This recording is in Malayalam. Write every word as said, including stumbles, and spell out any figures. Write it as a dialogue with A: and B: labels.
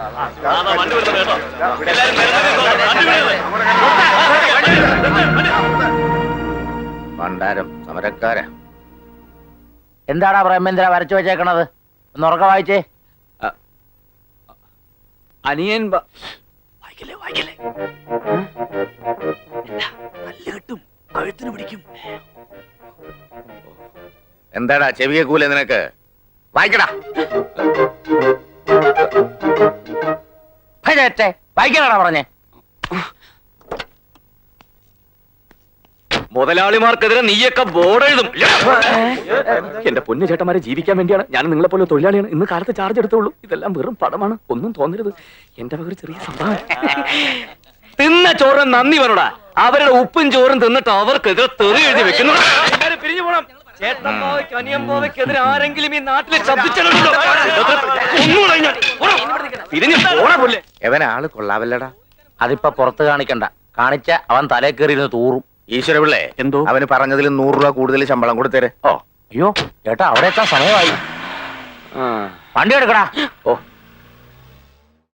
A: പണ്ടാരം സമരക്കാരാ.
B: എന്താടാ ബ്രഹ്മേന്ദ്ര വരച്ചു വെച്ചേക്കണത്? ഒന്ന് ഉറക്കം വായിച്ചേ.
C: അനിയൻ
D: വായിക്കല്ലേ വായിക്കല്ലേ, കെട്ടും കഴുത്തിന് പിടിക്കും.
A: എന്താടാ ചെവിയെ കൂലെ നിനക്ക്? വായിക്കടാ.
B: വായിക്കണാ പറഞ്ഞേ.
C: മുതലാളിമാർക്കെതിരെ നീയൊക്കെ ബോർഡ് എഴുതും. എന്റെ പൊന്നു ചേട്ടന്മാരെ ജീവിക്കാൻ വേണ്ടിയാണ് ഞാൻ നിങ്ങളെ പോലെ തൊഴിലാളിയാണ്. ഇന്ന് കാലത്ത് ചാർജ് എടുത്തുള്ളൂ. ഇതെല്ലാം വെറും പടമാണ്, ഒന്നും തോന്നരുത്. എന്റെ വക ഒരു ചെറിയ സംഭവം. തിന്ന ചോറും നന്ദി വരൂടാ. അവരുടെ ഉപ്പും ചോറും തിന്നിട്ട് അവർക്കെതിരെ തെറി എഴുതി വെക്കുന്നു. പിരിഞ്ഞു പോണം. ചേട്ടമ്പോവയ്ക്ക് അനിയമ്പോവയ്ക്കെതിരെ ആരെങ്കിലും ഈ നാട്ടിൽ ശബ്ദിച്ചിട്ടുണ്ടോ? പിരിഞ്ഞു പോണ പോലെ.
A: എവൻ ആള് കൊള്ളാവല്ലടാ.
B: അതിപ്പോ പുറത്ത് കാണിക്കണ്ട, കാണിച്ച അവൻ തലേ കയറിയിരുന്ന് തൂറും.
A: ഈശ്വര പിള്ളേ,
B: എന്തോ
A: അവന് പറഞ്ഞതിൽ നൂറ് രൂപ കൂടുതൽ ശമ്പളം കൊടുത്തേരെ.
B: ഓ അയ്യോ ചേട്ടാ, അവിടെ എത്താൻ സമയമായി. വണ്ടി എടുക്കടാ.
A: ഓ